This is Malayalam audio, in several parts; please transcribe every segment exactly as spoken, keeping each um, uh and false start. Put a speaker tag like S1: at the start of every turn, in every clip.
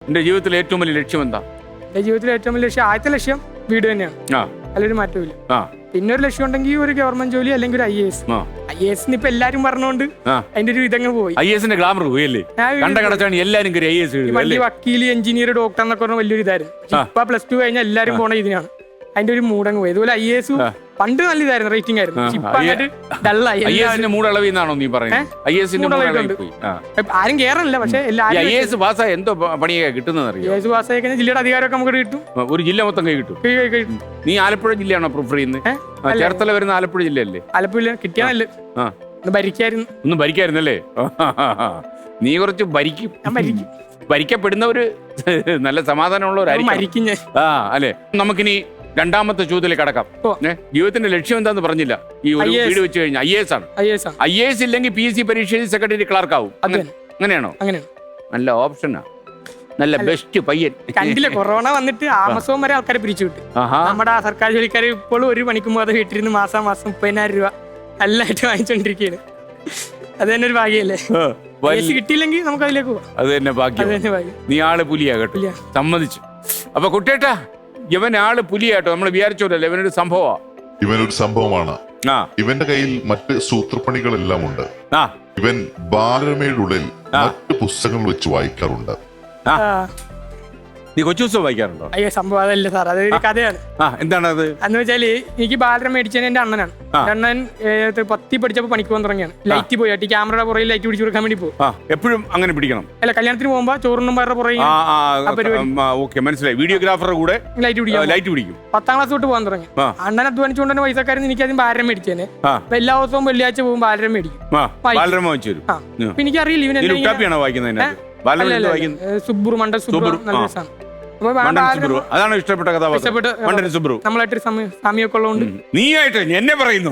S1: എന്റെ ജീവിതത്തിലെ ഏറ്റവും വലിയ ലക്ഷ്യം എന്താ?
S2: എന്റെ ജീവിതത്തിലെ ഏറ്റവും വലിയ ലക്ഷ്യം ആദ്യത്തെ ലക്ഷ്യം വീട് തന്നെയാണ്. അതിലൊരു മാറ്റമില്ല. പിന്നെ ഒരു ലക്ഷ്യം ഉണ്ടെങ്കിൽ ഒരു ഗവൺമെന്റ് ജോലി അല്ലെങ്കിൽ ഒരു I A S. I A S ഇപ്പൊ എല്ലാരും പറഞ്ഞോണ്ട് അതിന്റെ ഒരു ഇതങ്ങ് പോയി.
S1: ഐ എസിന്റെ ഗ്ലാമർ പോയല്ലേ? എല്ലാരും
S2: വലിയ വക്കീല്, എഞ്ചിനീയർ, ഡോക്ടർ എന്നൊക്കെ പറഞ്ഞ വലിയൊരു ഇതായിരുന്നു. ഇപ്പൊ പ്ലസ് ടു കഴിഞ്ഞാൽ എല്ലാരും പോണ ഇതിനാണ്. അതിന്റെ ഒരു മൂടങ്ങ് പോയി. ഇതുപോലെ ഐ എ എസ് പണ്ട് നല്ല ഇതായിരുന്നു, റേറ്റിംഗ് ആയിരുന്നു. ആരും കേറാനില്ല. പക്ഷെ
S1: എന്തോ പണിയൊക്കെ കിട്ടുന്നത്
S2: ജില്ലയുടെ അധികാരമൊക്കെ നമുക്ക് കിട്ടും.
S1: ഒരു ജില്ല മൊത്തം കൈ കിട്ടും. നീ ആലപ്പുഴ ജില്ലയാണോ പ്രിഫർ ചെയ്യുന്നത്? ചേർത്തല വരുന്ന ആലപ്പുഴ ജില്ലയല്ലേ?
S2: ആലപ്പുഴ കിട്ടിയാണല്ലേ ഭരിക്കായിരുന്നു.
S1: ഒന്നും ഭരിക്കായിരുന്നല്ലേ? നീ കുറച്ച് ഭരിക്കും. ഭരിക്കപ്പെടുന്നവര് നല്ല സമാധാനമുള്ളവരായിരിക്കും. ആ അല്ലെ. നമുക്കിനി രണ്ടാമത്തെ ചോദ്യത്തിലേക്ക് കടക്കാം. ജീവിതത്തിന്റെ ലക്ഷ്യം എന്താന്ന് പറഞ്ഞില്ല. ഈ ഒരു വീട് വെച്ച് കഴിഞ്ഞാൽ ഐ എസ് ആണ്. ഐ എസ് ഇല്ലെങ്കിൽ പി എസ് സി പരീക്ഷയിൽ സെക്രട്ടറി ക്ലാർക്ക് ആവും. അങ്ങനെയാണോ? നല്ല ഓപ്ഷനാ, നല്ല ബെസ്റ്റ് പയ്യൻ.
S2: കണ്ടില്ല, കൊറോണ വന്നിട്ട് ആമസോൺ വരെ ആൾക്കാരെ പിരിച്ചു വിട്ടു. നമ്മുടെ സർക്കാർ ജോലിക്കാർ ഇപ്പോഴും ഒരു മണിക്കൂർ മുതൽ വീട്ടിലിരുന്ന് മാസം മാസം മുപ്പതിനായിരം രൂപ നല്ലതായിട്ട് വാങ്ങിച്ചോണ്ടിരിക്കുകയാണ്. അത് തന്നെ ഒരു ഭാഗ്യല്ലേ? കിട്ടിയില്ലെങ്കിൽ നമുക്ക് അതിലേക്ക് പോവാം. അത് തന്നെ ഭാഗ്യം.
S1: നീ ആള് പുലിയാ കേട്ടോ, സമ്മതിച്ചു. അപ്പൊ കുട്ടേട്ടാ, ഇവൻ ആള് പുലിയാട്ടോ. നമ്മൾ വിചാരിച്ചോല്ലേ ഇവനൊരു സംഭവമാ.
S3: ഇവനൊരു സംഭവമാണ്. ഇവന്റെ കയ്യിൽ മറ്റ് സൂത്രപ്പണികളെല്ലാം ഉണ്ട്. ഇവൻ ബാലരമയുടെ ഉള്ളിൽ മറ്റ് പുസ്തകങ്ങൾ വെച്ച് വായിക്കാറുണ്ട്.
S1: നീ കൊച്ചു ദിവസം വായിക്കാറുണ്ടോ?
S2: അയ്യോ, സംഭവം അതല്ല സാർ, അതൊരു കഥയാണ്.
S1: എന്താണ് അത്?
S2: എന്ന് വെച്ചാല് എനിക്ക് ബാലരമ മേടിച്ചത് എന്റെ അണ്ണനാണ്. അണ്ണൻ പത്തി പഠിച്ചപ്പോ പണിക്ക് പോകാൻ തുടങ്ങിയാണ്. ലൈറ്റ് പോയിട്ട് ക്യാമറയുടെ പുറകിൽ ലൈറ്റ് പിടിച്ചു കൊടുക്കാൻ വേണ്ടി പോകും.
S1: എപ്പോഴും അങ്ങനെ പിടിക്കണം?
S2: അല്ല, കല്യാണത്തിന് പോകുമ്പോ ചോറിനും വേറെ പുറകെ
S1: മനസ്സിലായി. വീഡിയോഗ്രാഫറുടെ കൂടെ ലൈറ്റ് പിടിക്കും. ലൈറ്റ് പിടിക്കും.
S2: പത്താം ക്ലാസ് തൊട്ട് പോകാൻ തുടങ്ങി. അണ്ണൻ അധ്വാനിച്ചുകൊണ്ട് തന്നെ പൈസക്കാരൻ എനിക്ക് ആദ്യം ബാലരമ മേടിച്ചേനെ. എല്ലാ ദിവസവും വെള്ളിയാഴ്ച പോകും ബാലരമ മേടിക്കും.
S1: ബാലരമ വായിച്ചു തരും.
S2: അപ്പൊ എനിക്കറിയില്ല ഇവൻ സുബ്രു മണ്ഡൽ സുബ്രു നല്ല രസമാണ്.
S1: അതാണ് ഇഷ്ടപ്പെട്ട കഥാപാത്രം.
S2: നമ്മളായിട്ട് സമയമൊക്കെ ഉള്ളതുകൊണ്ട്
S1: നീയായിട്ട് എന്നെ പറയുന്നു.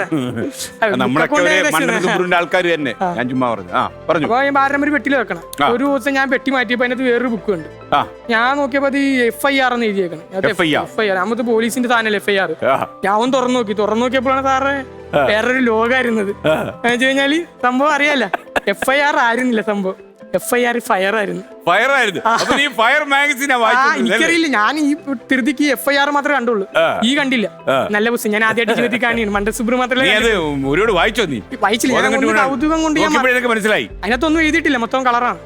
S1: നമ്മളൊക്കെ സുബ്രുവിന്റെ ആൾക്കാർ തന്നെ. ഞാൻ ചുമ്മാ പറഞ്ഞു.
S2: അപ്പൊ ബാലരമ ഒരു പെട്ടിയിൽ വെക്കണം. ഒരു ദിവസം ഞാൻ പെട്ടി മാറ്റിയപ്പോ അതിനകത്ത് വേറൊരു ബുക്ക് ഉണ്ട്. ഞാൻ നോക്കിയപ്പോ അത് എഫ് ഐ ആർ എന്ന് എഴുതിയേക്കണം. എഫ് ഐ ആർ നമുക്ക് പോലീസിന്റെ സാധനല്ലേ എഫ് ഐ ആർ. ഞാൻ ഒന്ന് തുറന്നു നോക്കി. തുറന്നു നോക്കിയപ്പോഴാണ് സാറ് വേറൊരു ലോകമായിരുന്നത്. എന്ന് വെച്ച് കഴിഞ്ഞാല് സംഭവം അറിയാലോ, എഫ് ഐ ആർ ആയിരുന്നില്ല സംഭവം. എഫ് ഐ ആർ ഫയർ ആയിരുന്നു.
S1: ഫയർ ആയിരുന്നു.
S2: എനിക്കറിയില്ല, ഞാൻ ഈ ധൃതിക്ക് എഫ് ഐ ആർ മാത്രമേ കണ്ടുള്ളൂ. ഈ കണ്ടില്ല. നല്ല പുസ്തകം ഞാൻ ആദ്യമായിട്ട് ജീവിതത്തിൽ കാണിയാണ്. മണ്ഡൽ സുബ്രു മാത്രമേ
S1: വായിച്ചോ? നീ
S2: വായിച്ചില്ല. കൗതുകം കൊണ്ട്
S1: മനസ്സിലായി.
S2: അതിനകത്തൊന്നും എഴുതിയിട്ടില്ല, മൊത്തം കളറാണ്.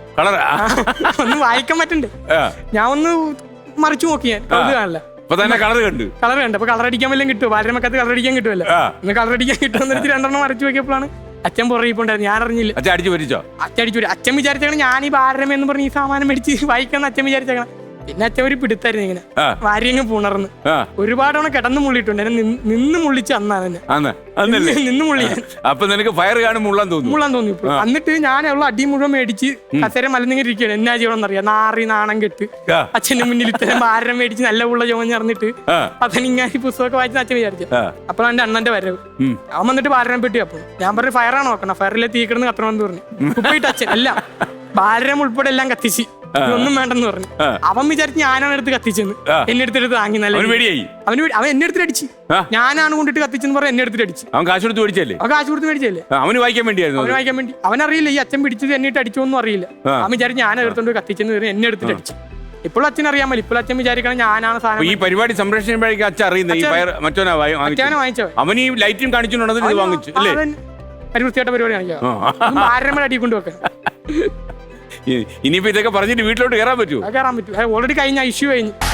S2: ഒന്നും വായിക്കാൻ പറ്റണ്ടേ? ഞാൻ ഒന്ന് മറിച്ചു നോക്കി. ഞാൻ കൗതുകാണല്ല.
S1: കളർ കണ്ടു.
S2: കളർ കണ്ടു. അപ്പൊ കളർ അടിക്കാൻ വല്ലതും കിട്ടുമോ? ബാലരമക്കത്ത് കളർ അടിക്കാൻ കിട്ടുമല്ലോ. ഇന്ന് കളർ അടിക്കാൻ കിട്ടുമെന്ന് രണ്ടെണ്ണം മറിച്ചു നോക്കിയപ്പോഴാണ് അച്ഛൻ പുറകിപ്പോണ്ടായിരുന്നു. ഞാൻ അറിഞ്ഞില്ല.
S1: അച്ഛൻ അടിച്ചു വരിച്ചോ?
S2: അച്ഛൻ അടിച്ചു വരും. അച്ഛൻ വിചാരിച്ചാണ് ഞാൻ ഈ ബാലരമ എന്ന് പറഞ്ഞ് ഈ സാമാനം മേടിച്ച് വായിക്കാന്ന് അച്ഛൻ വിചാരിച്ചേക്കണം. പിന്നെ അച്ഛൻ ഒരു പിടുത്തായിരുന്നു. ഇങ്ങനെ വാരിയങ്ങ് പുണർന്ന് ഒരുപാടവണ കിടന്ന് മുള്ളിട്ടുണ്ട്. എന്നെ നിന്ന് മുള്ളിച്ച് അന്നാണ് എന്നെ നിന്ന് മുള്ളിയാൻ.
S1: അപ്പൊ നിനക്ക് ഫയർ കാണും മുള്ളാൻ തോന്നി
S2: മുള്ളാൻ തോന്നി. എന്നിട്ട് ഞാൻ ഉള്ള അടി മുഴുവൻ മേടിച്ച് കസേര മലന്നിങ്ങനെ ഇരിക്കുകയാണ്. എന്നാ ചെയ്യണമെന്നറിയാം. നാറി നാണം കെട്ട് അച്ഛന്റെ മുന്നിൽ ഇത്തരം ബാലരം മേടിച്ച് നല്ല ഉള്ള ചോഞ്ഞറിഞ്ഞിട്ട് അച്ഛനിങ്ങനെ പുസ്തകമൊക്കെ വായിച്ച് അച്ഛൻ വിചാരിച്ചു. അപ്പോഴാണ് എന്റെ അണ്ണന്റെ വരവ്. അവൻ വന്നിട്ട് ബാലരം പെട്ടി. അപ്പൊ ഞാൻ പറഞ്ഞു ഫയറാണ് നോക്കണം. ഫയറിലെ തീ കിടന്ന് കത്തണമെന്ന് പറഞ്ഞു. ഉപ്പിട്ട് അച്ഛൻ അല്ല ബാലരം ഉൾപ്പെടെ എല്ലാം കത്തിച്ച് ഒന്നും വേണ്ടെന്ന് പറഞ്ഞു. അവൻ വിചാരിച്ച് ഞാനാണ് എടുത്ത് കത്തിച്ചെന്ന്. എന്നെ എടുത്തിട്ട് താങ്ങി. നല്ല അവന് അവൻ എന്നെ എടുത്തിട്ട് അടിച്ച്. ഞാനാണ് കൊണ്ടിട്ട് കത്തിച്ചെന്ന് പറഞ്ഞ എന്നെ എടുത്തിട്ട് അടിച്ച്.
S1: അവൻ കാശ് കൊടുത്ത് മേടിച്ചല്ലേ?
S2: അവൻ കാശ് കൊടുത്ത് മേടിച്ചല്ലേ?
S1: അവന് വായിക്കാൻ വേണ്ടിയായിരുന്നു.
S2: അവന് വായിക്കാൻ വേണ്ടി. അവനറിയില്ല ഈ അച്ഛൻ പിടിച്ചത് എന്നിട്ട് അടിച്ചോന്നും അറിയില്ല. അവൻ വിചാരിച്ച് ഞാൻ എടുത്തോണ്ട് കത്തിച്ചെന്ന് പറഞ്ഞ് എന്നെ എടുത്തിട്ട് അടിച്ചു. ഇപ്പോഴും അച്ഛൻ അറിയാൻ പറ്റില്ല. ഇപ്പോൾ അച്ഛൻ വിചാരിക്കണം ഞാനാണ് സാധനം.
S1: ഈ പരിപാടി സംരക്ഷിക്കുമ്പോഴേക്കും അച്ഛൻ അറിയുന്നത് മറ്റോനാ വാങ്ങിച്ചോ? അവൻ ഈ ലൈറ്റും കാണിച്ചുകൊണ്ടത് വാങ്ങിച്ചു അല്ലേ?
S2: പരിവൃത്തിയായിട്ട പരിപാടി കാണിക്കാം. ബാലരമ അടി കൊണ്ടുവെക്കാൻ.
S1: ഇനിയിപ്പോ ഇതൊക്കെ പറഞ്ഞിട്ട് വീട്ടിലോട്ട് കയറാൻ പറ്റുമോ?
S2: കയറാൻ പറ്റും. ഓൾറെഡി കഴിഞ്ഞ ഇഷ്യൂ കഴിഞ്ഞു.